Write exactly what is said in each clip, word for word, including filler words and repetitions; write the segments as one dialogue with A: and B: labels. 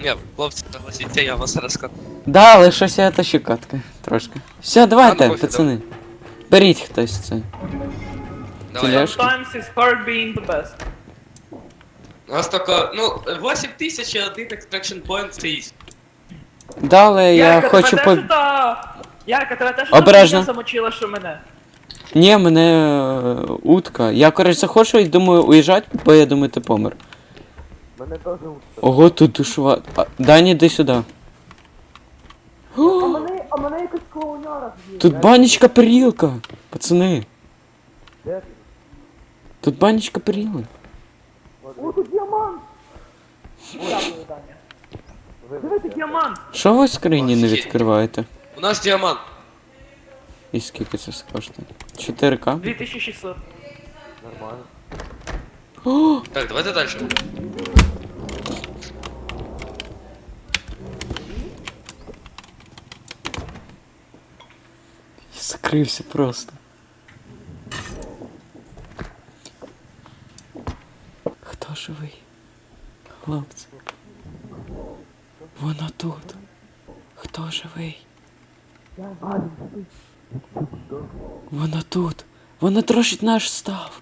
A: Ні, хлопці, согласіться, я вас розкажу.
B: Да, але щось я тащу катки. Трошки. Все, давайте,
A: А, ну, пофіг,
B: пацани. Беріть хтось це.
A: Давай.
B: Тележку.
C: Sometimes it's hard being the best.
A: У нас тільки, ну, вісім тисяч і один extraction point це є.
B: Да, але я
C: Ярка,
B: хочу
C: тебе
B: по...
C: теж та... Ярка, тебе теж
B: Обережно.
C: та замочила, що мене.
B: Ні, мене е, утка. Я, коротше, захочу і думаю уїжджати, бо я думаю, ти помер.
D: Мене теж утка.
B: Ого, тут душова. А, Дані, йди сюди.
D: А мене, а мене якась клоуняра з'їла.
B: Тут банічка перілка, пацани.
D: Де ти?
B: Тут банічка періли.
D: О, тут діамант!
C: Дякую, Даня.
D: Вибачте.
C: Диви, тут діамант.
B: Що ви в скрині не
A: Офігеть.
B: відкриваєте?
A: У нас діамант.
B: І скільки це коштує? чотири ка?
C: дві тисячі шістсот.
D: Нормально.
B: О,
A: Так, давайте далі.
B: я закрився просто. Хто живий? Хлопці. Вона тут. Хто живий? Вона тут. Вона трощить наш став.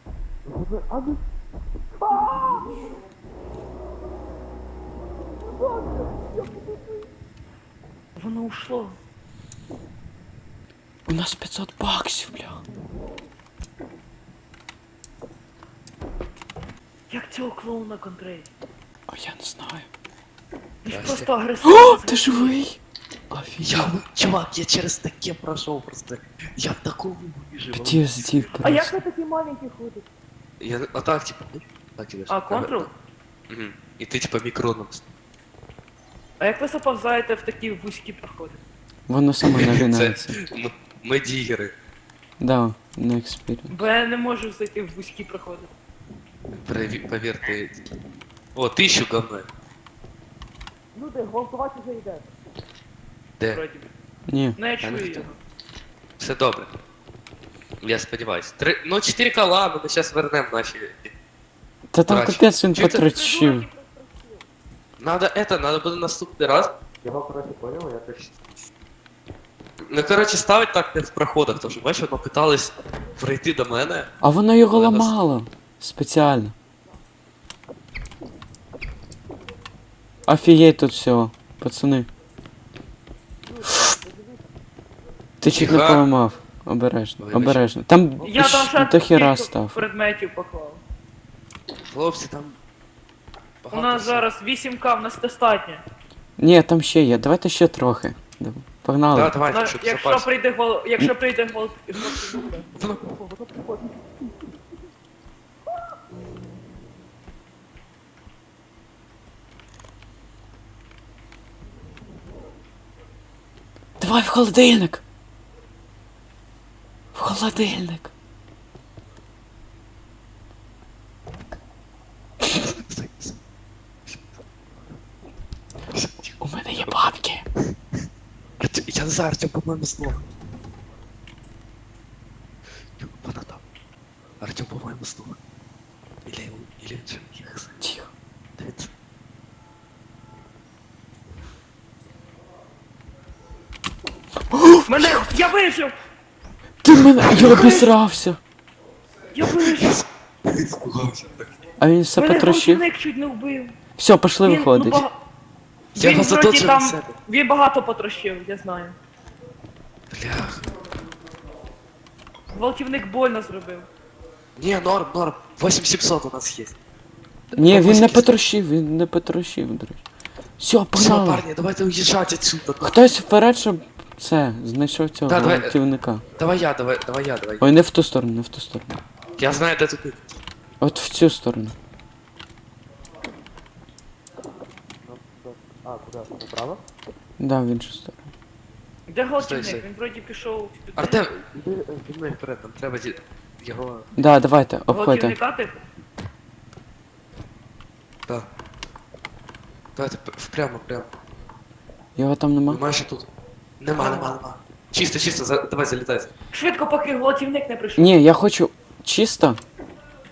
C: Воно ушло.
B: У нас п'ятсот баксів, бля.
C: Як цього клоуна контролює?
B: А я не знаю.
C: Він ж
A: Здрасте.
C: просто агресивний.
B: О, ти живий? Офігеть.
A: Я, чувак, я через таке пройшов просто. Я в такому вижив.
B: Пі ес ді
C: А як
B: просто.
C: ви такі маленькі ходите?
A: Я, а так, типа, ну, так тебе.
C: А, контрол?
A: Угу. І ти, типа, мікроном.
C: А як ви заповзаєте в такі вузькі проходи?
B: Воно само нагинається.
A: Ми, ми дігери.
B: Да, на експірієнс.
C: Бо я не можу зайти в вузькі проходи.
A: Переві- Повірте. О, тисячу говно.
D: Люди, гвалтувати вже йде.
A: Де?
C: Вроді би.
B: Ні.
C: Ну я
A: не
C: чую
A: хотів.
C: його.
A: Все добре. Я сподіваюсь. Три... Ну, чотири ка ладно, ми зараз вернемо наші.
B: Та там
A: Краще.
B: капець він
A: Чи це-
B: потрачив.
A: Надо это, надо буде наступний раз.
D: Його, коротше, поняв, я так...
A: Ну, коротше, ставить так не в проходах, тому що, бачиш, воно питались прийти до мене.
B: А воно його
A: Але нас-
B: ламало. Спеціально. Офігеть тут всього, пацани. Ти чуть не
A: Тихо.
B: поламав. Обережно,
A: Вибач.
B: обережно. Там
C: Я там ще
B: до хіра
C: кілька
B: став.
C: предметів поклав.
A: Хлопці, там.
C: У
A: багато
C: нас
A: всього.
C: зараз вісім ка, в нас достатньо.
B: Ні, там ще є. Давайте ще трохи. Давай. Погнали.
A: Да, давайте,
C: Ну,
A: щоб
C: якщо
A: запас.
C: прийде гол, якщо прийде гол,
B: Давай в холодильник. В холодильник. У мене є бабки.
A: Артем- Я не знаю, Артем, по-моєму, здох. Ю, Вона там. Артем, по-моєму, здох. Или, или, я не знаю.
B: Тихо.
A: Дивіться.
C: мене, я вижив!
B: Ти мене. Я обісрався.
C: Я вижив!
A: Спугався так.
B: А він все
C: Мене
B: потрощив.
C: гвалтівник чуть не вбив.
B: Все, пошли
C: Він,
B: виходить.
C: ну, бага-
A: Я
C: він
A: його
C: вроді
A: заточив на
C: там,
A: себе.
C: він багато потрощив, я знаю.
A: Блях.
C: Гвалтівник больно зробив.
A: Не, норм, норм. вісім сімсот у нас є.
B: Ні, він не
A: Бабуськи.
B: потрощив, він не потрощив, до речі. Все,
A: Все,
B: погнали.
A: парні, давайте уїжджати отсюда.
B: Хтось вперед, щоб це, знайшов цього
A: Да, давай.
B: гвалтівника.
A: Давай я, давай, давай я, давай.
B: Ой, не в ту сторону, не в ту сторону.
A: Я знаю, де тут.
B: От в цю сторону.
D: А, куди? Направо?
B: Да, в іншу сторону.
C: Де
A: Стой,
C: гвалтівник?
A: стой.
C: Він вроді пішов в підтримку.
A: Артем, іди е, зі мною вперед, нам треба ді- його.
B: Да, давайте, обходьте.
C: Гвалтівника типу?
A: Да. Давайте п- впрямо, прямо.
B: Його там нема?
A: Ви майже тут. Нема, нема, нема. Чисто, чисто, за... давай залітай.
C: Швидко, поки гвалтівник не прийшов.
B: Ні, я хочу чисто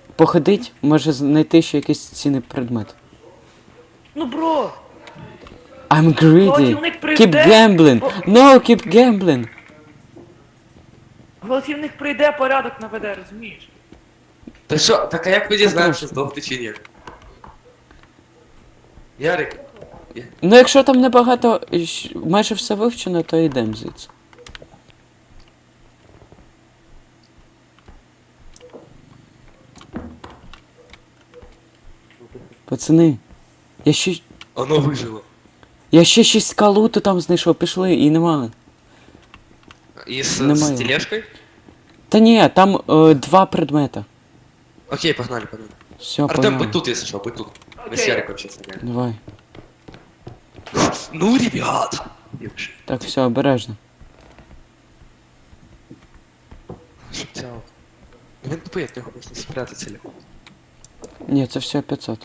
B: походить, може знайти ще якийсь цінний предмет.
C: Ну бро!
B: I'm greedy.
C: Гвалтівник
B: Keep
C: прийде.
B: gambling.
C: О,
B: No, keep gambling.
C: Гвалтівник прийде, порядок наведе, розумієш?
A: Та що, так а як ми дізнаємося,
B: трошки.
A: здохти чи ні? Ярик,
B: Ну якщо там небагато, щ- майже все вивчено, то йдемо звідси. Пацани, я ще.
A: воно вижило.
B: Я ще шість калуту там знайшов, пішли і нема.
A: І з,
B: Немає.
A: з тележкою?
B: Та ні, там е, два предмета.
A: Окей, погнали, погнали.
B: Все,
A: Артем,
B: погнали.
A: будь тут, если что, будь тут. Мы с
C: Окей.
A: Яриком сейчас снимаем.
B: Давай.
A: Ну, ребята! Девушки,
B: Так, все, обережно.
A: чтоб тебя... Блин, тупый, от него можно спрятаться или...
B: Ні, це все п'ятсот.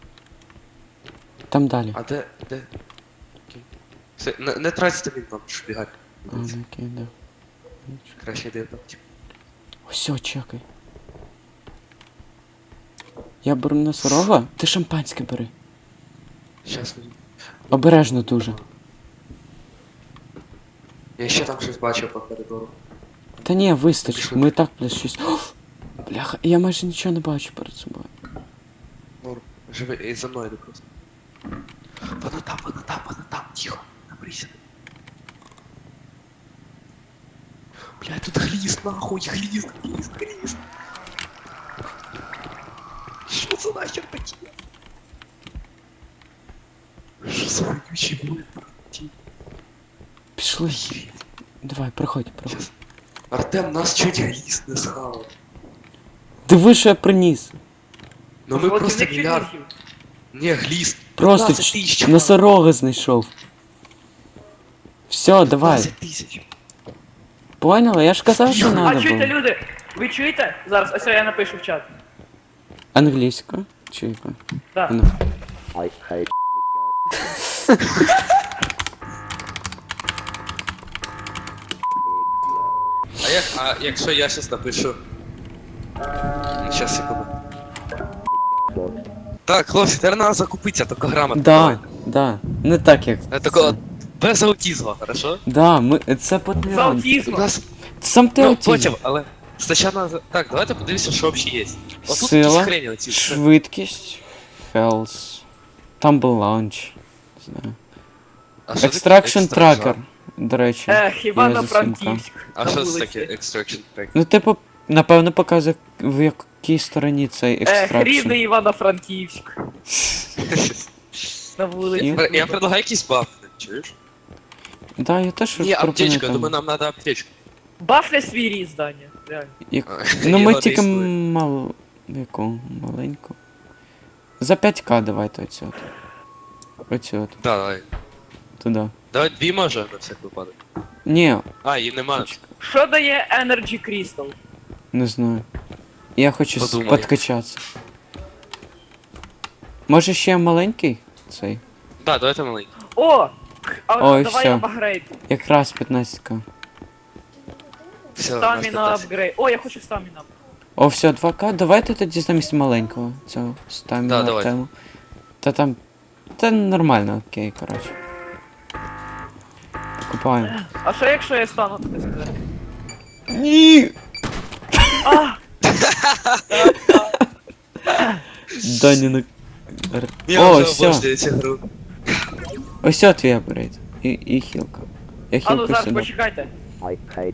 B: Там далі.
A: А де, де? Окей. Все, не, не тратьте він нам, щоб бігати.
B: А, ну окей, да.
A: Краще йде там.
B: Все, чекай. Я беру носорога, ти шампанське бери.
A: Щас візьму.
B: Обережно дуже.
A: Я ще там щось бачив по коридору.
B: Та ні, вистачить, ми і так плюс шість. О, бляха, я майже нічого не бачу перед собою.
A: Норм. Живи, і за мною йди просто. Вона там, вона там, вона там, тихо, набрися. Блядь, тут глист, нахуй, глист, глист, глист. Що це нахер таке? Що за вонючий блин?
B: Пішли. Давай, проходь, проходь.
A: Щас. Артем, нас чуть глист не схавав.
B: Диви, що я приніс.
A: Ну ми просто
C: Гвалтівник чуть
A: мільярд.
C: не з'їв.
A: Не, глист.
B: Просто
A: п'ятнадцять
B: ч-
A: тисяч, чувак.
B: носорога знайшов. Все, давай.
A: п'ятнадцять тисяч.
B: Поняла? Я ж казав, що
C: А
B: надо
C: чуєте,
B: було.
C: люди? Ви чуєте? Зараз, ось я напишу в чат.
B: Англійська? Чи яка?
C: Так.
B: Ну.
E: I hate
A: А як, а якщо я щас напишу? Щас, секунду. Так, хлопці, тепер треба закупитися, тільки грамотно.
B: Да, да. Не так як.
A: Е, Такого, без аутизму, хорошо?
B: Да, ми. Це
C: З
B: потрібно.
A: У
C: аутізмом.
A: нас,
B: Сам ти
A: ну,
B: аутізм.
A: потім, але спочатку, надо- так, давайте подивимося, що взагалі є. Отут
B: Сила,
A: якісь хрені оці.
B: швидкість, health, там був лаунч. Не знаю.
A: А що таке
B: Extraction
A: extraction?
B: Tracker, до речі.
C: Ех,
B: Я
C: Івано-Франківськ.
A: А
C: на
A: що це
C: вулиці.
A: таке extraction track?
B: Ну, типу, напевно, показує, в якій стороні цей
C: Ех,
B: екстракшн.
C: рідний Івано-Франківськ. На вулиці.
B: І-
A: Я предлагаю якийсь баф, чуєш?
B: Да, я теж
A: Ні,
B: пропоную
A: аптечка,
B: там.
A: думаю, нам треба аптечку.
C: Бафля свій різ, Даня. Реально.
B: Як...
A: А,
B: Ну ми
A: його
B: тільки
A: не існує.
B: мал... яку маленьку. За п'ять ка давайте оцю от. Оцю от,
A: Да, давай.
B: туди.
A: Давай дві може на всяк випадок.
B: Ні,
A: А, її нема.
C: Що дає Energy Crystal?
B: не знаю. Я хочу с-
A: Подумай.
B: подкачатися. Може ще маленький цей?
A: Да, давайте маленький.
C: О! А
B: Ой,
C: давай
B: всё.
C: апгрейд.
B: Якраз п'ятнадцять ка.
A: Все, у нас
C: Стаміна
A: п'ятнадцять.
C: апгрейд. О, я хочу стаміна.
B: О, все, два ка. Давайте тоді замість маленького цього ставимо
A: Да,
B: на
A: давай.
B: тему. Та там. Та нормально, окей, коротше. Купаємо.
C: А що якщо я стану туди сказати?
B: Ні!
C: А!
B: Дані на.
A: Я
B: О,
A: вже
B: все.
A: обожнюю цю гру.
B: Ось от твій апгрейд. І, і хілка. Я
C: А ну
B: хілку
C: зараз
B: сюди.
C: почекайте.
E: I hate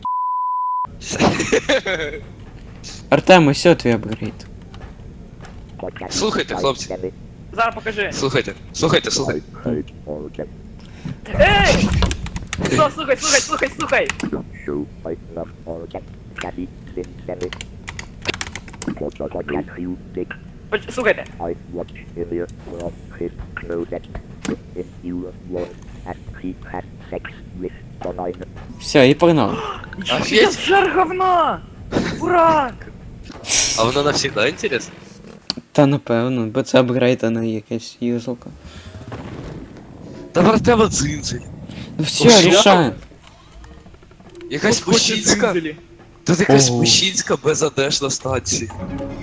B: Артем, ось от твій апгрейд.
A: Слухайте, хлопці.
C: Зараз покажи.
A: Слухайте, слухайте, слухайте.
E: I hate organ.
C: Ей! Що, слухай, слухай, слухай, слухай!
E: Show I love organ. Caddy, thin, belly. What a fucking you dick.
C: Поч- Слухайте.
E: I watch in your world his closet. In your world and he had sex with the line.
B: Все, і погнали.
C: Я
A: Офігеть.
C: жар говна! Ура!
A: А воно навсегда інтересно?
B: Та напевно, бо це апгрейд, а не якась юзалка.
A: Та вартева дзинзель.
B: Ну все,
A: Ох,
B: рішаємо.
A: Якась
C: Господи,
A: мужчинська.
C: дзинзелі.
A: Тут якась
B: Ого.
A: мужчинська безодежна станція.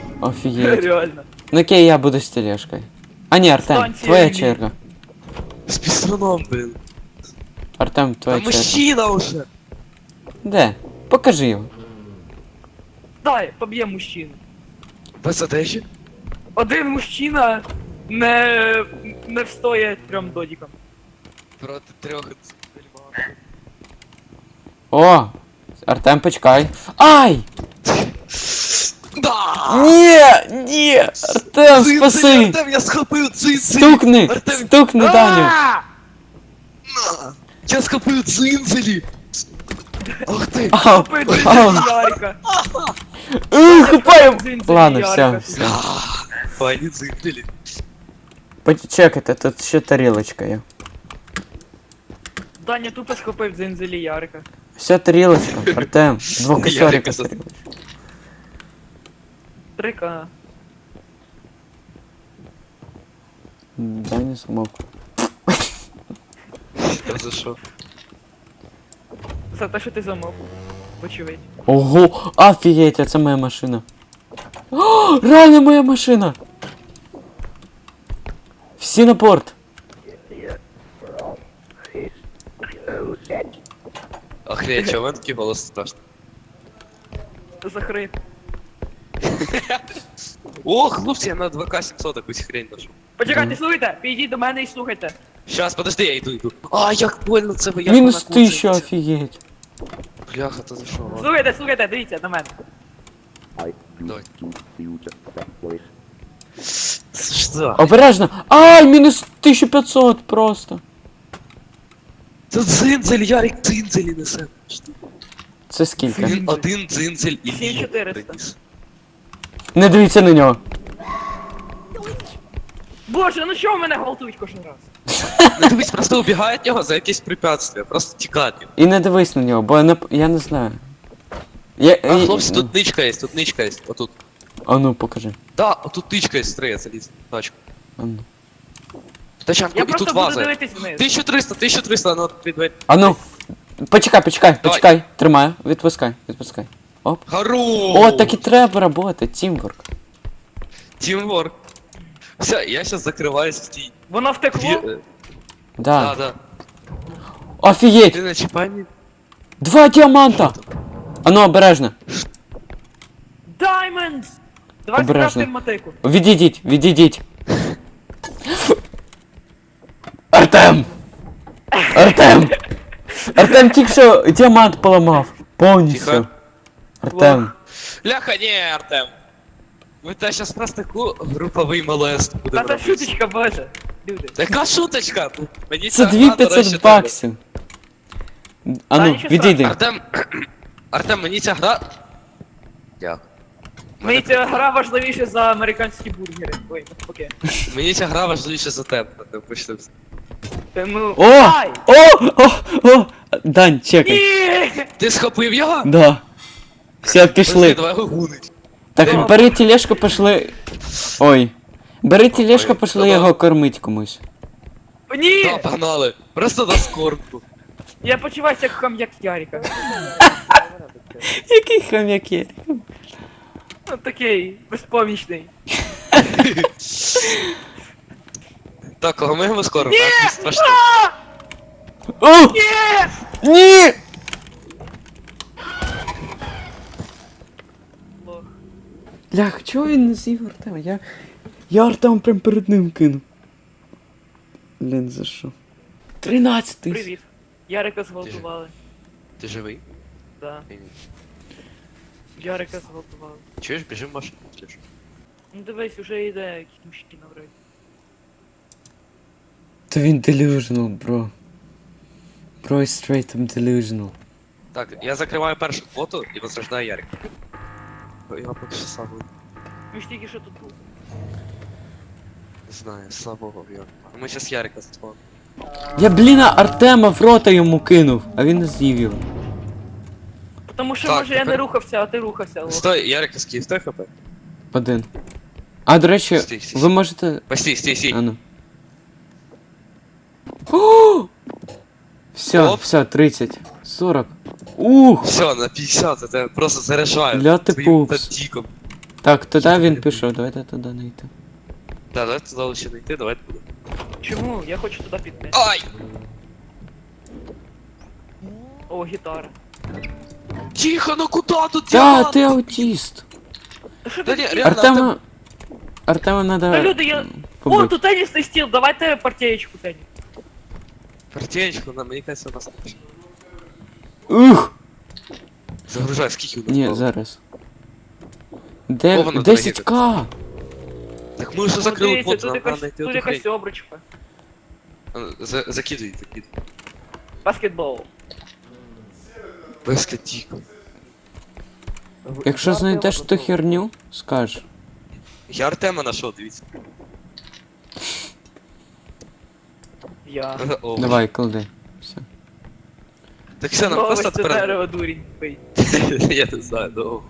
B: Офігеть.
C: Реально.
B: Ну окей, я буду з тележкою. А ні, Артем,
C: Станція
B: твоя
C: Лілі.
B: черга.
A: З піструном, блін.
B: Артем,
A: Та
B: твоя черга.
A: мужчина уже.
B: Де? Покажи його.
C: Дай, поб'є мужчину.
A: Без одежі?
C: Один мужчина не, не встоє трьом додікам.
A: Проти трьох дельматів.
B: О! Артем, почекай. Ай!
A: Да!
B: Ні! Ні! Артем,
A: Цинцель,
B: спаси!
A: Артем, я схопив цинцель!
B: Стукни!
A: Артем,
B: Стукни, Даню!
C: А!
A: на! Я схопив цинцелі! Ах ти!
B: Ау!
C: Купи
B: Ау!
C: дзинзелі Ярика.
B: Ух, хапаю!
C: Дзинзелі
B: Ладно,
C: Ярика.
B: все, все.
A: Пані цинцелі.
B: Почекайте, тут ще тарілочка є.
C: Даня тупо схопив дзинзелі Ярика.
B: Все, тарілочка, Артем.
A: Ярика
B: Двокосоріка
A: за-
B: тарілочка.
C: Трика.
B: Даня смог.
A: Я за що?
C: За те, що ти замов. Вочевидь.
B: Ого, офігеть, а це моя машина. О, реально моя машина. Всі на порт.
A: Охренеть, чого в мене такий голос страшний?
C: Захрип.
A: О, хлопці, я на два ка сімсот якусь хрень нашов.
C: Почекайте, слухайте, підійдіть до мене і слухайте.
A: Щас, подожди, я йду, йду. А, як больно це ви, як
B: Мінус
A: вона
B: тисяча,
A: куцається.
B: офігеть.
A: Бляха, то за що? ладно.
C: Слухайте, слухайте, дивіться на мене.
E: I do
A: Давай.
E: to use that voice.
A: Це що?
B: Обережно. Ай, мінус тисяча п'ятсот просто.
A: Це дзинзель, Ярик дзинзелі несе.
B: Це скільки?
A: Він один дзинзель і
C: Сім чотириста.
A: приніс.
B: Не дивіться на нього.
C: Боже, ну чого мене гвалтують кожен раз?
A: Не дивись, просто убігає від нього за якесь препятствие, просто тікати.
B: І не дивись на нього, бо я не, я не знаю. Я,
A: А,
B: і-
A: хлопці, тут ничка є, тут ничка є, отут.
B: А ну, покажи.
A: Да, отут ничка є, стрея, заліз, в тачку.
B: А ну.
A: В тачанку,
C: Я
A: і
C: просто
A: тут
C: буду
A: ваза.
C: дивитись вниз.
A: тисяча триста, тисяча триста, ну, відкрий двері.
B: А ну. Почекай, почекай,
A: Давай.
B: почекай. Тримаю. Відпускай, відпускай. Оп.
A: Гару!
B: О, так і треба працювати, тімворк.
A: Тімворк. Все, я сейчас закриваюсь в тій.
C: Воно
A: Дві...
C: втекло?
A: е,
B: Да.
A: Да, да.
B: Офігеть!
A: Ти на чіпані?
B: Два діаманта! А ну, обережно.
C: Diamonds! Давай
B: Обережно.
C: скрафтим мотику.
B: Відійдіть, відійдіть. Артем! Артем! Артем тільки що діамант поламав. Повністю.
A: Тихо.
B: Артем.
A: Ляха, ні, Артем. Ви та щас просто таку груповий молест
C: Та
A: будемо
C: це
A: робити.
C: шуточка, боже. Люди.
A: Така шуточка! Ну, мені
B: Це
A: ця
B: дві
A: гра, до речі,
B: п'ятсот
A: треба.
B: баксів. А
C: Та
B: ну,
C: нічого
B: відійди.
A: Артем, Артем, мені ця гра... Дякую.
C: Мені ця гра важливіша за американські бургери. Ой, навпаки.
A: Мені ця гра важливіша за тебе, Артем, почнемо. з-
C: Тому...
B: О!
C: Ай!
B: О! О! О! Дань, чекай.
C: Ні!
A: Ти схопив його?
B: Да. Все,
A: Подожди,
B: пішли.
A: давай його гунить.
B: Так, бери тележку, пішли. Ой. Бери тележку,
A: Ой,
B: пішли
A: давай.
B: його кормить комусь.
C: Ні!
A: Да, погнали. Просто на скорку.
C: Я почуваюся як хам'як Ярика.
B: Який хам'як є?
C: Ну такий, безпомічний.
A: Так, кого ми його скоро? Ні! Страшно.
B: О!
C: Ні!
B: Ні!
C: Лох.
B: Лях, чого він не з'їв Артема? Я... Я Артем прям перед ним кинув. Блін, за що? Тринадцять тисяч.
C: Привіт. Ярика зґвалтували.
A: Ти живий?
C: Да.
A: Ні, ні.
C: Ярика зґвалтували.
A: Чуєш, біжи в машину, сліж.
C: Ну дивись, уже йде якийсь мужчина вроді.
B: Та він delusional, бро. Бро is straight up delusional.
A: Так, я закриваю першу квоту і возрождаю Ярик. Я поки що сам
C: Ми ж тільки що тут був.
A: не знаю, слабого в Ярика. Ми зараз Ярика заспали.
B: Я, блін, Артема в рота йому кинув, а він не з'їв його.
C: Тому що
A: Так,
C: може я не
A: тепер-
C: рухався, а ти рухався. Лох.
A: Стой, Ярик, скільки стой хп?
B: Один. А, до речі,
A: Стій, стій,
B: ви можете...
A: Постій, стій, стій.
B: А ну. О! Все,
A: Оп.
B: все, тридцять. сорок. Ух!
A: Все, на п'ятдесят, це просто заряджаю.
B: Ля ти
A: своїм
B: пупс.
A: тактиком.
B: Так, туди він пішов, давайте туди не йти.
A: Да, давайте туди лише не йти, давайте туди.
C: Чому? Я хочу туди піти.
A: Ай!
C: О, гітара.
A: Тихо, ну куда тут
B: Та,
A: діамант?
B: ти аутіст.
C: Та що
A: Та
C: ти
A: ні,
C: таке?
A: реально,
B: Артема... Артема надо...
C: Та люди, я... О,
B: побити.
C: тут тенісний стіл, давайте партієчку теніс.
A: Партієчку, на мені кажется, у нас.
B: Ух!
A: Загружай, скільки у нас
B: Ні,
A: було?
B: зараз. Де...
A: О, воно
B: десять к?
A: Так ми вже
C: О,
A: закрили
C: дивіться,
A: плот,
C: тут
A: нам треба
C: якась,
A: знайти
C: тут
A: оту
C: якась
A: хрень.
C: обручка.
A: А, за- Закидуй, закидуй.
C: Баскетбол.
A: Безкатік.
B: Якщо знайдеш ту херню, скаж.
A: Я Артема нашов, дивіться.
C: Я.
A: О,
B: Давай, клади. Все.
A: Так все, нам
C: Ось
A: просто
C: це
A: тепер...
C: дерево дурень пий.
A: Я не знаю, ну...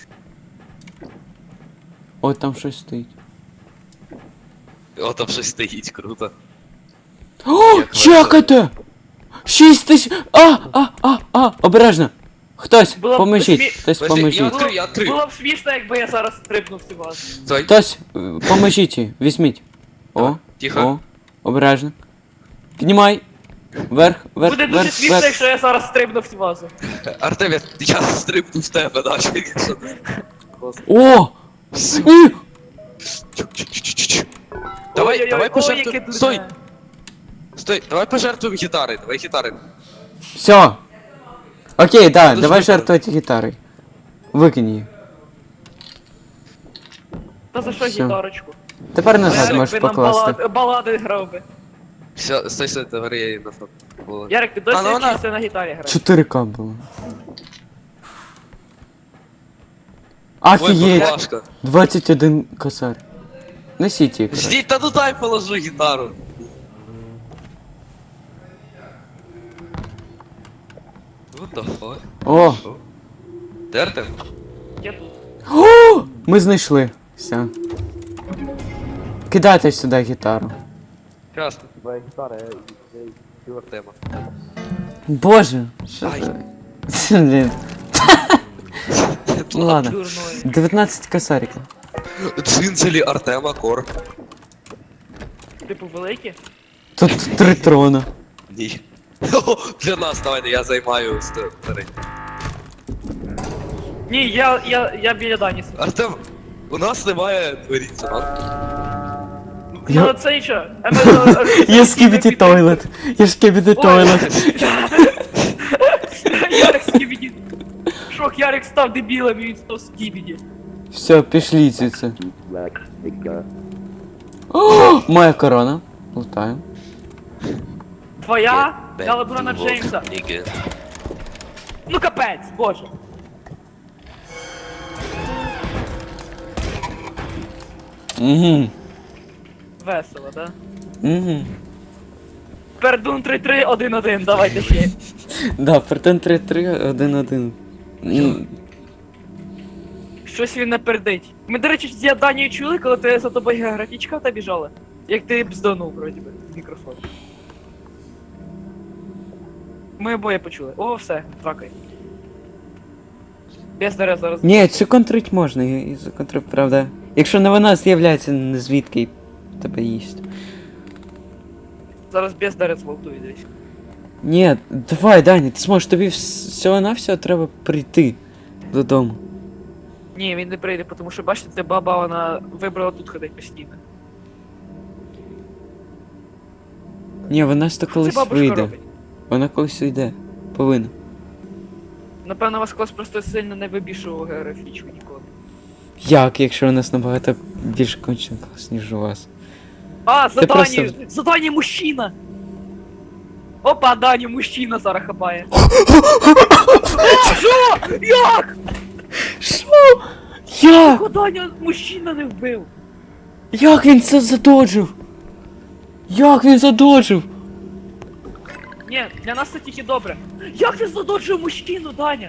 B: О, там щось стоїть.
A: О, там щось стоїть, круто.
B: О,
A: Як
B: чекайте! Шість тисяч... А, а, а, а, обережно! Хтось,
C: Було б
B: поможіть,
C: смі-
B: хтось
A: Подожди, я
B: поможіть.
A: відкрию, я відкрию.
C: Було б смішно, якби я зараз стрибнув цю вазу.
A: Стой,
B: Хтось, е, поможіть їй, візьміть. О,
A: Давай, тихо.
B: о, обережно. Піднімай. Вверх, вверх,
C: Буде дуже
B: вверх,
C: смішно,
B: вверх.
C: якщо я зараз стрибнув цю вазу.
A: Артем, я, я стрибну в тебе, да, якщо ти...
B: О!
A: Все.
B: І!
A: Чук-чук-чук-чук. Давай,
C: Ой-ой-ой,
A: давай
C: ой,
A: пожертвуем...
C: яке дурне.
A: Стой, стой, давай пожертвуем гитарой, давай гитарой.
B: Все. Окей, да,
A: Надо
B: давай
A: ж
B: жертвувати гітарою. Викинь її.
C: Та за що
B: Всё.
C: гітарочку?
B: Тепер назад
C: Ярик
B: можеш
C: би нам
B: покласти.
C: балад- балади грав би.
A: Все, стой, стой, давай я її на фото. Було.
C: Ярик, ти досі
A: А, ну вона-
C: вчишся на гітарі грати?
B: чотири ка було.
A: Ой,
B: Офігеть!
A: баклажка.
B: двадцять один косарь. Несіть її. коротше.
A: Ждіть, та ну дай положу гітару. What the fuck?
B: О!
A: Що? Де Артем?
C: Я тут.
B: О! Ми знайшли. Все. Кидайте сюди гітару.
A: Красно. Твоя гітара, я Артема.
B: Боже, що
A: Ай.
B: це? Блін. Ну ладно.
C: Дурною.
B: дев'ятнадцять косариків.
A: Дзинзелі Артема Кор.
C: Типу великі?
B: Тут три трона.
A: Ні. Для нас, давайте, я займаю старий.
C: Ні, я, я, я біля Дані сиджу.
A: Артем, у нас немає дверіться,
B: Я-
C: Ну це нічого. Ем-
B: Я скібіті тойлет. Я скібіті тойлет.
C: Ярик скібіді. Шок, Ярик став дебілом і він став скібіді.
B: Все, пішли звідси.
E: Black finger.
B: О, моя корона. Лутаємо.
C: Твоя? Я Леброна Джеймса.
A: Ніге.
C: Ну капець, боже.
B: Угу.
C: Весело, да?
B: Угу.
C: Пердун три три один один, давайте ще.
B: Да, претен три три один один. М,
C: Щось він не пердить. Ми, до речі, з Данією чули, коли ти за тобою географічка та біжала? Як ти бздонув, вроді би, з мікрофону. Ми обоє почули. О, все, тракай. Без дерев зараз.
B: Ні, цю контрить можна, я її законтрив, правда. Якщо не вона з'являється не звідки і тебе їсть.
C: Зараз без дерев зґвалтує десь.
B: Ні, давай, Дані, ти зможеш, тобі вс- всього-навсього треба прийти додому.
C: Ні, він не прийде, тому що бачите, ця баба, вона вибрала тут ходить постійно.
B: Ні, вона ж то
C: Що ця
B: колись
C: бабушка
B: вийде.
C: робить?
B: Вона колись вийде. Повинна.
C: Напевно, вас клас просто сильно не вибішував географічку ніколи.
B: Як, якщо у нас набагато більше кончений клас, ніж у вас?
C: А,
B: Ти
C: задання!
B: просто-
C: Задання мужчина! Опа, Даню, мужчина зараз хапає. Що? Як?
B: Що? Як?
C: Його Даня мужчина не вбив.
B: Як він це задоджив? Як він задоджив?
C: Ні, для нас це тільки добре. Як ти задоджив мужчину, Даня?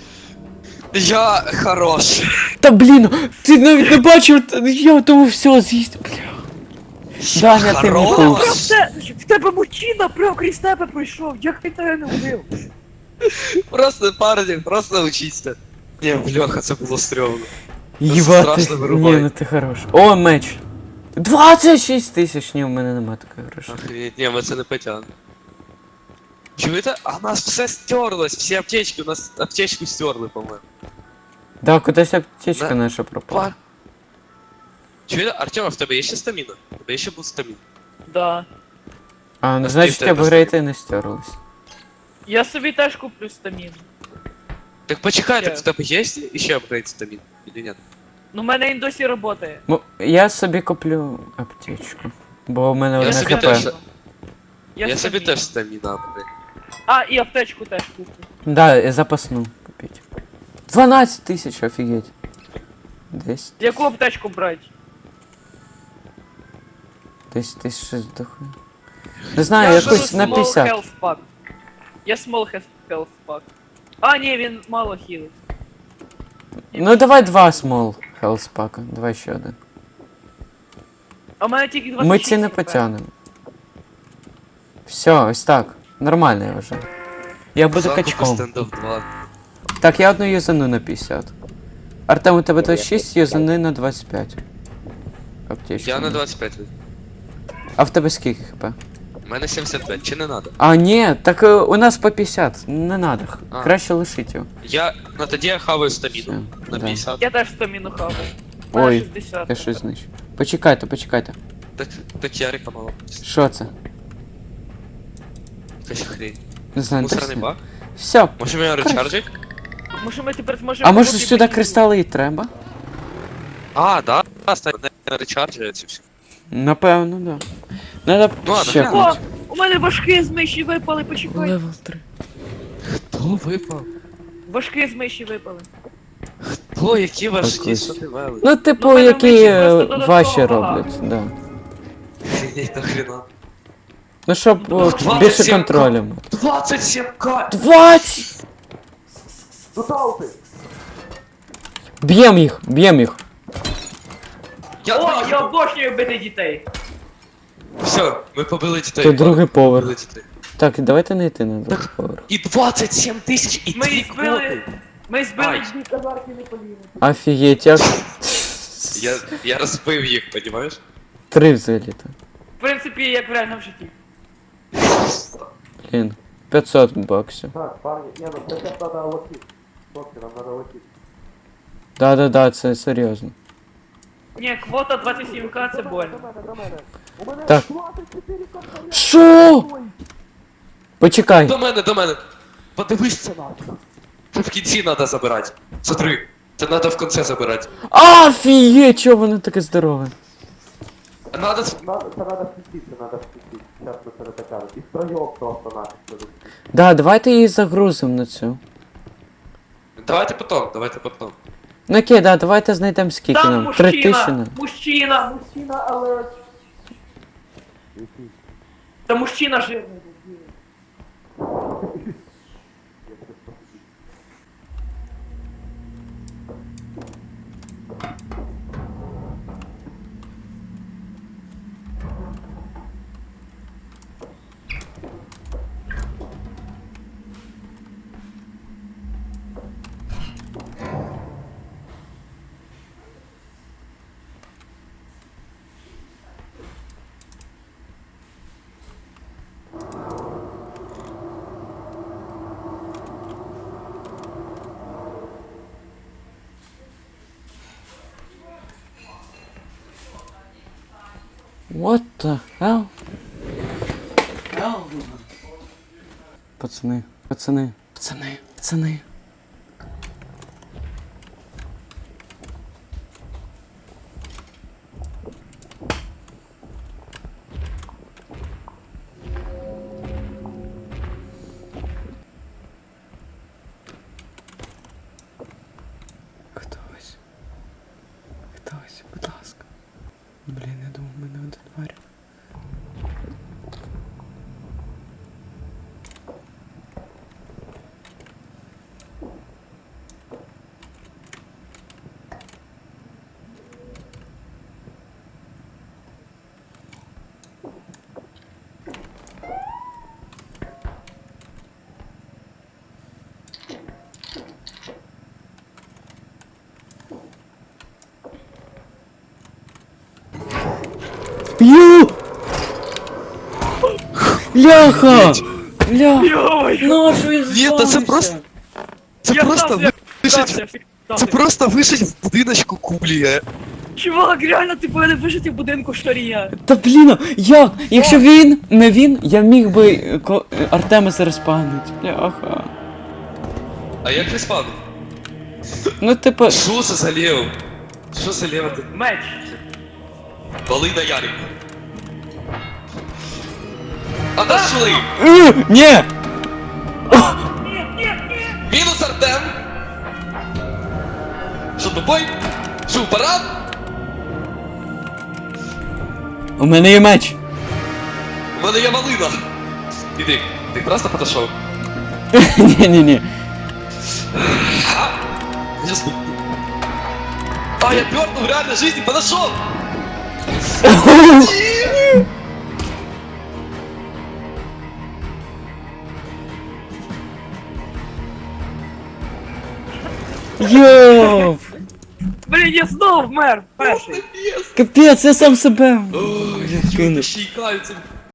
A: Я хорош.
B: Та блін, ти навіть не бачив, та я тому все з'їсть. Бля. Даня, ти
A: Хорош.
B: мій
C: Прям те, в тебе мужчина прям крізь тебе пройшов. Як він тебе не вбив?
A: Просто, парні, просто учіться. Ні, бляха, це було стрьомно.
B: Їбати.
A: страшно
B: Ні,
A: вирубай.
B: ну ти хорош. О, меч. двадцять шість тисяч, ні, у мене нема такої грошей.
A: Охренеть, ні, ми це не потягнемо. Чуєте? А у нас все стерлось, всі аптечки, у нас аптечку стерли, по-моєму.
B: Да, кудись аптечка
A: Да.
B: наша пропала.
A: Па. Чуєте, Артем, а в тебе є ще стаміна? В тебе є ще був стамін?
C: Да.
B: А, ну
A: А
B: значить
A: скільки в тебе
B: апгрейти не стерлись.
C: Я собі теж куплю стамін.
A: Так почекайте,
C: Є.
A: в тебе є ще апгрейд стамін? Или ні?
C: Ну, в мене він досі працює.
B: Ну, я собі куплю аптечку. Бо в мене
A: Я
B: одне
A: собі
B: хп.
A: теж-
C: Я,
A: Я собі
C: стамін.
A: теж стаміна апгрейд.
C: А, і аптечку теж куплю.
B: Да, і запасну купіть. дванадцять тисяч, офігеть. Десь,
C: Яку аптечку брати?
B: десь, десь щось дохуя. Не знаю,
C: Я
B: якусь
C: беру
B: на
C: small
B: п'ятдесят.
C: health pack. Я small health- health pack. А, ні, він мало хілить.
B: Ну давай два смол health пака, давай ще один.
C: А в мене тільки двадцять
B: Ми
C: шість
B: ці не
C: хп.
B: потягнемо. Все, ось так. Нормально я вже. Я буду
A: Закупи
B: качком.
A: стендов два.
B: Так, я одну юзану на п'ятдесят. Артем, у тебе двадцять шість, юзани на двадцять п'ять. Аптечка.
A: Я на двадцять п'ять.
B: А в тебе скільки хп?
A: У мене сімдесят п'ять, чи не надо?
B: А, ні, так е, у нас по п'ятдесят. Не надо. х-
A: А.
B: Краще лишить його.
A: Я, ну тоді я хаваю стаміну.
B: Все,
A: На
B: да.
A: п'ятдесят.
C: Я теж стаміну хаваю. У мене
B: Ой,
C: шістдесят.
B: я щось знищу. Почекайте, почекайте.
A: Так, так Ярика мало.
B: Що це?
A: Якась хрень.
B: Не знаю,
A: Мусорний
B: точно.
A: баг?
B: Все.
A: Може мене речарджить?
C: Може ми тепер зможемо...
B: А може
C: купити
B: сюди
C: бензин?
B: кристали і треба?
A: А, да, да, стань не речарджується все.
B: Напевно, да. Надо
A: Ну ладно,
B: ще
A: глянемо.
C: О, у мене важкі з миші випали, почекай.
B: Левел три.
A: Хто випав?
C: Важкі з миші випали.
A: Хто, які важкі,
B: Якось.
A: що ти вели?
B: Ну, типу,
C: Ну, мене
B: які
C: вищі
B: е,
C: просто додатково
B: ваші
C: багато.
B: роблять, да.
A: Охренеть, нахрена.
B: Ну, щоб о,
A: двадцять
B: більше
A: сім
B: контролю.
A: двадцять сім к!
B: двадцять!
D: Туталти!
B: Б'єм їх, б'єм їх.
A: Я
C: О,
A: твоїх-
C: я обожнюю бити дітей.
A: Все, ми побили дітей.
B: Це другий поверх.
A: Побили дітей.
B: Так, давайте не йти на другий поверх.
A: І двадцять сім тисяч, і
C: Ми
A: дві
C: їх збили...
A: квоти.
C: Ми збили...
A: Ай.
D: Дві казарки не поліли.
B: Офігеть, як...
A: Я, я розбив їх, понімаєш?
B: Три взагалі то.
C: В принципі, як в реальному житті.
B: Блін. п'ятсот баксів.
D: Так, парні, ні, ну це зараз треба лотити. Хлопці, нам треба лотити.
B: Да-да-да, це серйозно.
C: Ні, квота двадцять сім к це больно.
D: До мене, до мене. У мене
B: Так.
D: двадцять чотири контролі.
B: Що? Почекай.
A: До мене, до мене. Подивись це надо. Це в кінці треба забирати. Смотри, це треба в кінці забирати.
B: Офігеть, чого воно таке здорове?
A: Надо...
D: Надо, це треба спустити, це треба спустити. Зараз ми перетакали. І втроєм просто нафіг перестити.
B: Да, давайте її загрузимо на цю.
A: Давайте потом, давайте потом.
B: Ну окей, да, давайте знайдемо скільки
C: Там
B: нам. Три тисячі
C: мужчина!
B: нам.
C: Мужчина!
D: Мужчина, але...
C: Та мужчина жирний.
B: What the hell? Пацани, пацани, пацани, пацани. Хтось. Хтось, будь ласка. Блін, я думав, ми не один варю. Бляха! Бля!
C: Йой!
B: Ну, що він
A: Ні, та це
B: заспавнився?
A: просто- Це
C: Я
A: просто
C: стався,
A: вишить,
C: стався,
A: це
C: стався.
A: просто вишить в будиночку кулі. е.
C: Чувак, реально, ти повинен вижити в будинку шторія.
B: Та блін, як? Якщо він, не він, я міг би е, ко- е, Артемиса респавнить. Бляха.
A: А як респавнив?
B: Ну, типа.
A: Що це за лево? Що за лево ти?
C: Меч.
A: Вали на Ярик. Отошли!
B: Е, Ні!
A: Мінус Артем! Що тупой? Що парад?
B: У мене є меч.
A: У мене є малина. Іди, ти просто подошов.
B: Ні-ні-ні.
A: Я спу- А, я пёрнул в реальной жизни, подошел!
B: Йоу!
C: Блін, я знов вмер перший.
B: Капець, я сам себе.
A: Ой,
B: кинув.
A: я ще й каються.